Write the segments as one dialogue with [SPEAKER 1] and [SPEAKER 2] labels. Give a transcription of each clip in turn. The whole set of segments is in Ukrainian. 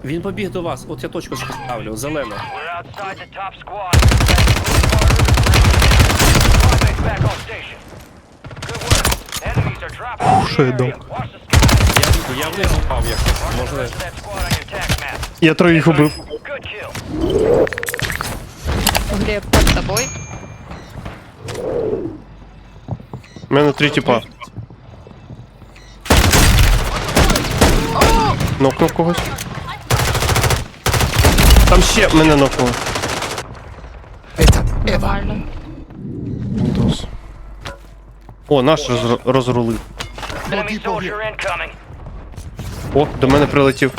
[SPEAKER 1] Він побіг до вас, от я точку ставлю, зелена.
[SPEAKER 2] Що я дав?
[SPEAKER 1] Я вниз впав, як може.
[SPEAKER 2] Я троїх убив.
[SPEAKER 3] Глеб, под тобой.
[SPEAKER 2] У мене 3 тіпа. Нокнув когось. Там ще мене нокнуло.
[SPEAKER 3] Нормально.
[SPEAKER 2] Windows. О, наш розрулив. О, до мене прилетів.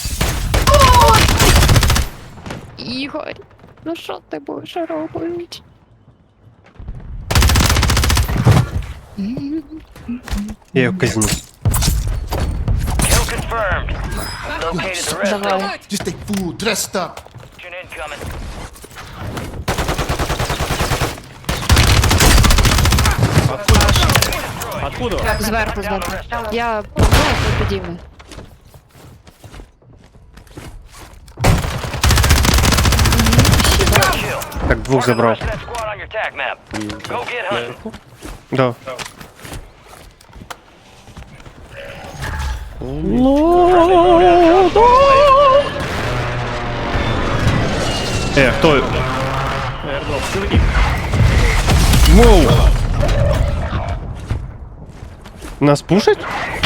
[SPEAKER 3] Ігор, ну що ти будеш робити?
[SPEAKER 2] Я його казню.
[SPEAKER 3] Давай.
[SPEAKER 4] Just a fool dressed up.
[SPEAKER 1] Откуда?
[SPEAKER 3] Зверху. Я помогаю, ти підійми.
[SPEAKER 2] Так, двох забрав. Да. Хто? Воу! Нас пушать?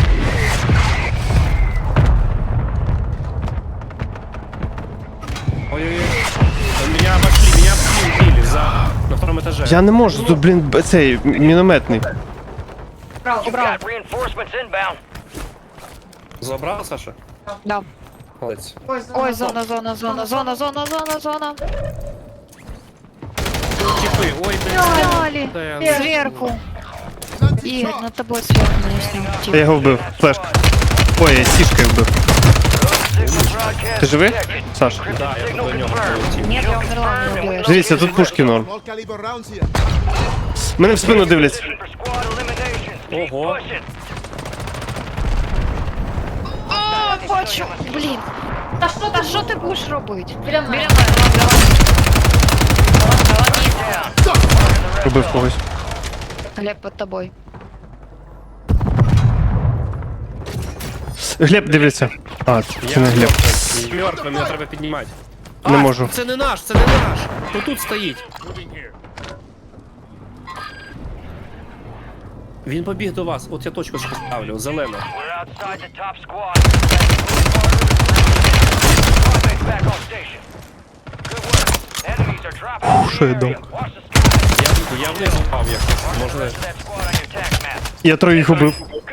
[SPEAKER 1] Ой-ой-ой. Меня обошли, убили на втором этаже.
[SPEAKER 2] Я не можу, тут, блін, цей мінометний.
[SPEAKER 3] Убрав.
[SPEAKER 1] Забрал, Саша?
[SPEAKER 3] Да.
[SPEAKER 1] Молодец.
[SPEAKER 3] Ой, зона.
[SPEAKER 1] Типы, ой,
[SPEAKER 3] Дали.
[SPEAKER 1] блядь.
[SPEAKER 3] Сверху. Игорь, над тобой сверху нанесли.
[SPEAKER 2] Я його вбив. Флешка. Ой, я сішкою вбив. Ти живий? Саш?
[SPEAKER 1] Да, я тут до нього полетів.
[SPEAKER 3] Нет, я умерла, не убьешь.
[SPEAKER 2] Дивіться, тут пушки норм.
[SPEAKER 4] All caliber rounds here.
[SPEAKER 2] Мене в спину дивляться.
[SPEAKER 1] Ого.
[SPEAKER 3] Хочу. Блін. Та що ти будеш робити? Біля мене.
[SPEAKER 2] Убив когось.
[SPEAKER 3] Глеб, под тобой.
[SPEAKER 2] Глеб дивиться. А, це не Глеб.
[SPEAKER 1] Мертвий, мене треба піднімати.
[SPEAKER 2] Не можу.
[SPEAKER 1] Це не наш, це не наш. Хто тут стоїть? Він побіг до вас, от я точку ставлю, зелена.
[SPEAKER 2] Що я дав?
[SPEAKER 1] Я вниз впав, як може.
[SPEAKER 2] Я троїх убив.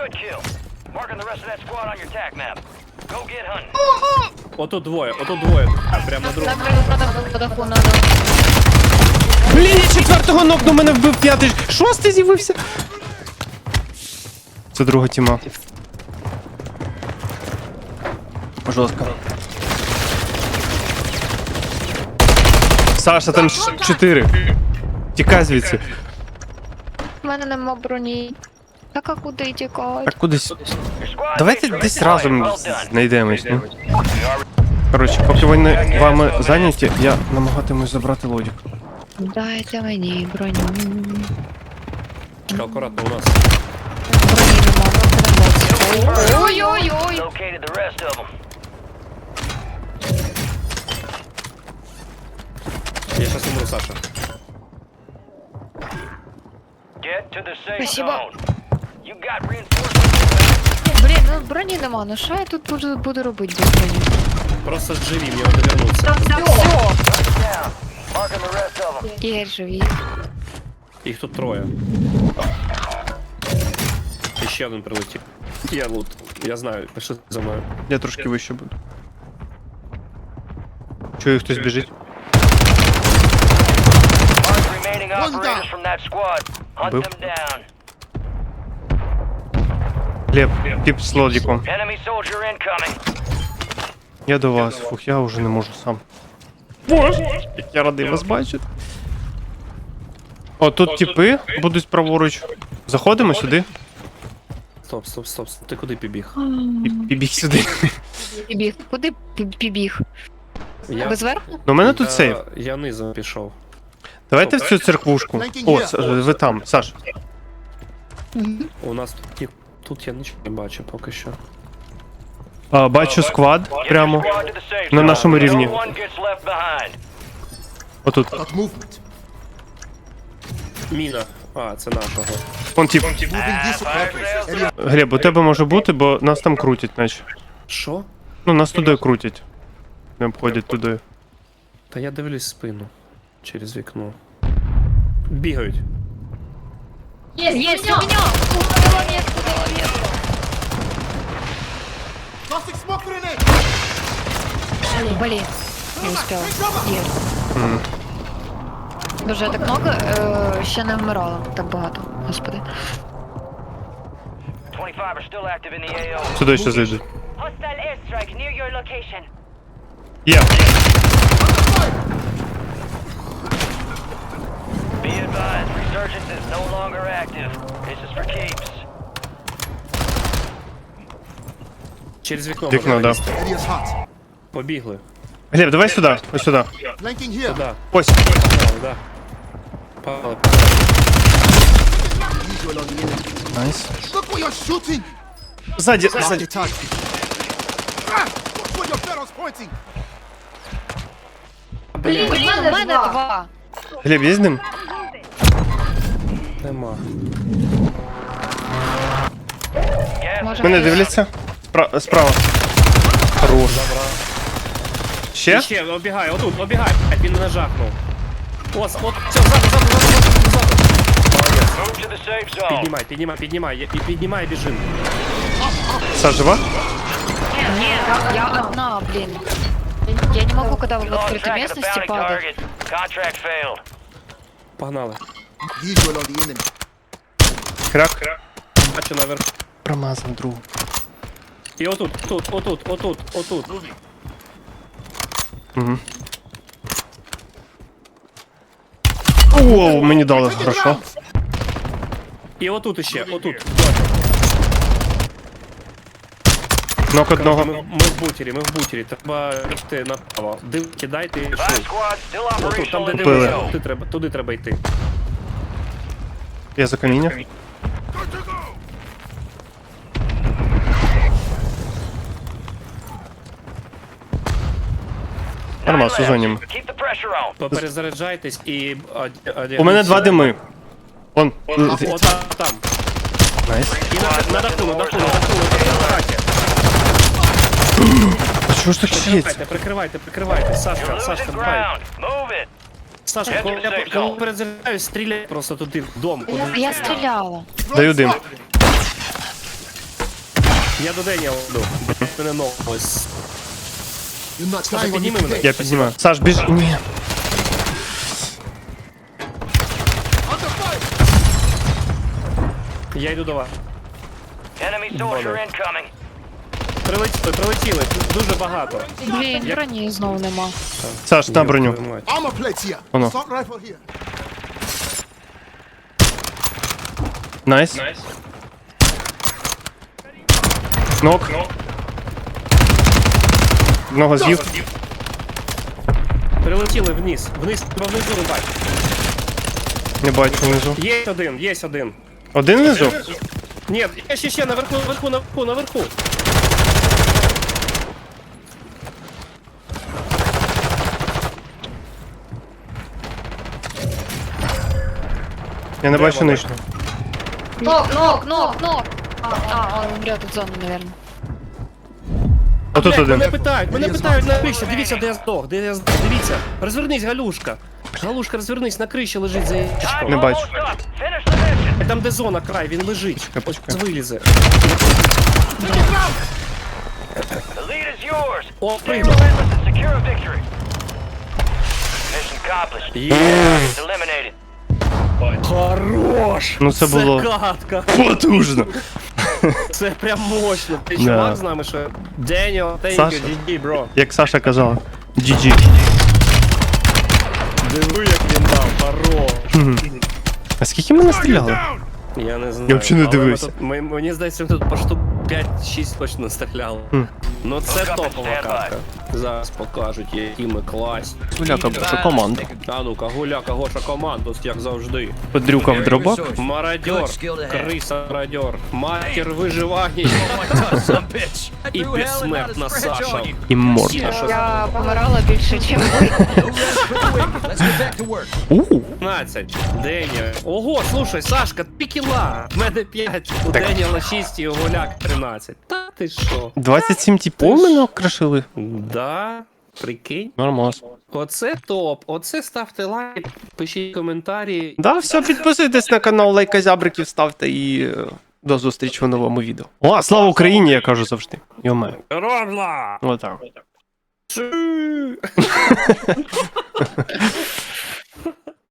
[SPEAKER 1] Отут двоє. А, прямо друг.
[SPEAKER 3] По даху надо.
[SPEAKER 2] Блін, я четвертого нокну, мене вбив п'ятий. Шостий з'явився. Це друга тіма. Жорстко. Саша, там 4. Тікай звідси.
[SPEAKER 3] У мене нема броні. Так а куди тікати?
[SPEAKER 2] Так кудись. Давайте десь разом знайдемось, ну. Коротше, поки вони вами зайняті, я намагатимусь забрати лодік.
[SPEAKER 3] Дайте мені броню.
[SPEAKER 1] Аккуратно у нас.
[SPEAKER 3] Броні нема, ой-ой-ой.
[SPEAKER 1] Я сейчас умру, Саша.
[SPEAKER 3] Спасибо. Блін, ну броні нема, ну що я тут буду робити без броні?
[SPEAKER 1] Просто живи, мне надо вернуться.
[SPEAKER 3] Ігор, живі.
[SPEAKER 1] Їх тут троє. І ще один прилетів. Я лут. Я знаю, пиши за мною.
[SPEAKER 2] Я трошки вище буду. Чую, хтось біжить. Бив. Глеб, тип з лодіком. Я до вас. Фух, я вже не можу сам. Боже, як я радий вас бачити. О, тут типи будуть праворуч. Заходимо сюди.
[SPEAKER 1] Стоп. Ти куди побіг?
[SPEAKER 2] Побіг сюди.
[SPEAKER 3] Пібіг. Куди пібіг? Ви зверху?
[SPEAKER 2] Ну, у мене тут сейф.
[SPEAKER 1] Я низом пішов.
[SPEAKER 2] Давайте в цю церквушку. О, ви там, Саш.
[SPEAKER 1] У нас тут я нічого не бачу поки що.
[SPEAKER 2] Бачу сквад прямо на нашому рівні. Отут.
[SPEAKER 4] Got movement.
[SPEAKER 1] Міна. А, це нашого.
[SPEAKER 2] Вон тип.
[SPEAKER 4] Moving this way. Area
[SPEAKER 2] Глеб, у тебе може бути, бо нас там крутять, наче.
[SPEAKER 1] Що?
[SPEAKER 2] Ну, нас туди крутять. Не обходять туди.
[SPEAKER 1] Та я дивлюсь спину через вікно. Бігають.
[SPEAKER 3] Есть, у меня! Головец.
[SPEAKER 4] Toxic smoke grenade.
[SPEAKER 3] Блин, не успел. Есть. Дуже так много, ще не вмирала так багато, господи.
[SPEAKER 5] 25 are still active in the AO.
[SPEAKER 2] Сюди ще зайдуть.
[SPEAKER 5] Hostile airstrike near your location.
[SPEAKER 2] Є.
[SPEAKER 5] Be advised, resurgence is no longer active. This is for keeps.
[SPEAKER 1] Через вікно.
[SPEAKER 2] Вікно,
[SPEAKER 1] можна
[SPEAKER 2] да.
[SPEAKER 1] лізти.
[SPEAKER 4] Area's hot.
[SPEAKER 1] Побігли.
[SPEAKER 2] Глеб, давай сюди, ось сюди.
[SPEAKER 4] Flanking here.
[SPEAKER 1] Да.
[SPEAKER 2] Ось.
[SPEAKER 1] Погнали, да. Погнали.
[SPEAKER 4] Visual on the enemy.
[SPEAKER 2] Найс.
[SPEAKER 4] Look where you're shooting.
[SPEAKER 2] Ззаді,
[SPEAKER 4] Mark
[SPEAKER 2] ззаді.
[SPEAKER 4] the target. Look where your barrel's pointing.
[SPEAKER 3] Блін, у мене два.
[SPEAKER 2] Глеб, є з ним?
[SPEAKER 1] Нема.
[SPEAKER 3] Може,
[SPEAKER 2] Мене дивляться. Справа. Хорош. Ще?
[SPEAKER 1] Ще, обігай, отут, обігай. Він мене жахнув. От, все, ззаду.
[SPEAKER 5] Move to the safe zone.
[SPEAKER 1] Піднімай, біжим.
[SPEAKER 2] Саш, жива?
[SPEAKER 3] Нет, я одна, блин. Я не могу, когда вы в
[SPEAKER 5] Lost
[SPEAKER 3] открытой
[SPEAKER 5] track of the
[SPEAKER 3] местности
[SPEAKER 5] bounty
[SPEAKER 3] падать.
[SPEAKER 5] target. Contract failed.
[SPEAKER 1] Погнали.
[SPEAKER 4] Visual on the enemy.
[SPEAKER 2] Крак.
[SPEAKER 1] Бачу наверху.
[SPEAKER 2] Промазав другу.
[SPEAKER 1] І отут.
[SPEAKER 2] Угу. Оу, мені дали,
[SPEAKER 4] Take it
[SPEAKER 2] хорошо.
[SPEAKER 4] rounds.
[SPEAKER 1] І отут іще, отут.
[SPEAKER 2] Нок одного.
[SPEAKER 1] Ми в бутері. Треба йти направо. Кидайте і
[SPEAKER 5] Five
[SPEAKER 1] йшли.
[SPEAKER 5] squads still
[SPEAKER 1] Отут, там
[SPEAKER 5] operational
[SPEAKER 1] де
[SPEAKER 5] in the
[SPEAKER 2] Купили.
[SPEAKER 1] дивишся,
[SPEAKER 5] AO.
[SPEAKER 1] туди треба йти.
[SPEAKER 2] Я за каміння. Нормально, сезонім.
[SPEAKER 5] Keep the pressure on.
[SPEAKER 1] Поперезаряджайтесь і...
[SPEAKER 2] У мене два дими. Вон.
[SPEAKER 1] От там.
[SPEAKER 2] Найс.
[SPEAKER 1] І на даху.
[SPEAKER 2] А чого ж так щиється?
[SPEAKER 1] Прикривайте. Сашка,
[SPEAKER 5] Losing
[SPEAKER 1] давай.
[SPEAKER 5] ground. Move it.
[SPEAKER 1] Сашка, коли я перезаряджаюсь, стріляй просто туди, в дом.
[SPEAKER 3] Я стреляла.
[SPEAKER 2] Даю дим.
[SPEAKER 1] Я до Деня веду. Мене ось.
[SPEAKER 4] You're not
[SPEAKER 1] Саша,
[SPEAKER 4] dying on
[SPEAKER 1] підніми
[SPEAKER 4] me
[SPEAKER 1] мене.
[SPEAKER 4] today.
[SPEAKER 2] Я піднімаю. Саш, біж. Ні.
[SPEAKER 4] Under fire.
[SPEAKER 1] Я йду до вас.
[SPEAKER 5] Enemy soldier incoming.
[SPEAKER 1] Прилетіли. Дуже багато.
[SPEAKER 3] Блін, броні знову нема.
[SPEAKER 2] Саш, на броню.
[SPEAKER 4] Armor plates here.
[SPEAKER 2] Oh, no.
[SPEAKER 4] Assault rifle here.
[SPEAKER 2] Найс. Нок. Одного з'їв.
[SPEAKER 1] Прилетіли вниз. Внизу рубать.
[SPEAKER 2] Не бачу внизу.
[SPEAKER 1] Є один.
[SPEAKER 2] Один внизу?
[SPEAKER 1] Ні, ще, наверху.
[SPEAKER 2] Я не бачу нижнього.
[SPEAKER 3] Нок. Он умрет от зоны, наверное.
[SPEAKER 2] Отут один.
[SPEAKER 1] Мене питають на криші. Дивіться, де я здох. Дивіться. Розвернись, Галюшка. Розвернись, на криші лежить за ящичком.
[SPEAKER 2] Не бачу.
[SPEAKER 5] Almost done. Finish the mission.
[SPEAKER 1] Там, де зона, край, він лежить. Ось
[SPEAKER 2] почекай.
[SPEAKER 1] вилізе.
[SPEAKER 5] The lead is yours.
[SPEAKER 1] О,
[SPEAKER 5] Stay
[SPEAKER 1] прийняв.
[SPEAKER 5] relentless and secure a victory. Mission accomplished.
[SPEAKER 1] Є.
[SPEAKER 5] Targets eliminated.
[SPEAKER 1] Хорош!
[SPEAKER 2] Ну, це було-
[SPEAKER 1] катка.
[SPEAKER 2] Потужно.
[SPEAKER 1] Це прям мощно. Ти
[SPEAKER 2] Да.
[SPEAKER 1] чувак з нами, що... Деніо, thank
[SPEAKER 2] Саша.
[SPEAKER 1] you, GG, бро.
[SPEAKER 2] Як Саша казала. GG.
[SPEAKER 1] Диви, як він дав, хорош.
[SPEAKER 2] А скільки ми настріляли?
[SPEAKER 1] Я не знаю.
[SPEAKER 2] Я взагалі не
[SPEAKER 1] але ми
[SPEAKER 2] дивився.
[SPEAKER 1] тут- мені здається, ми тут по штук 5-6 точно стріляли. Ну це топова катка. Зараз покажуть, які ми класні.
[SPEAKER 2] Гуляка, Гоша, команда.
[SPEAKER 1] А ну-ка, гуляка, Гоша, команду, як завжди.
[SPEAKER 2] Подрюка в дробак.
[SPEAKER 1] Мародьор, криса мародьор, матір виживання і безсмертна Саша.
[SPEAKER 2] І морд.
[SPEAKER 3] Я помирала більше, ніж ви.
[SPEAKER 1] 15. Деня. Ого, слушай, Сашка, 2 кіла. В мене 5. У
[SPEAKER 2] Так.
[SPEAKER 1] Деніела 6 і у Гуляк 13. Та ти що?
[SPEAKER 2] 27 типов мене окрашили.
[SPEAKER 1] Да, прикинь.
[SPEAKER 2] Нормас.
[SPEAKER 1] Оце топ. Оце ставте лайк, пишіть коментарі.
[SPEAKER 2] Да, все, підписуйтесь на канал, лайка-зябриків ставте і до зустрічі в новому відео. О, слава Україні, я кажу завжди. Йоме.
[SPEAKER 1] Робла!
[SPEAKER 2] Отак.
[SPEAKER 1] Чу!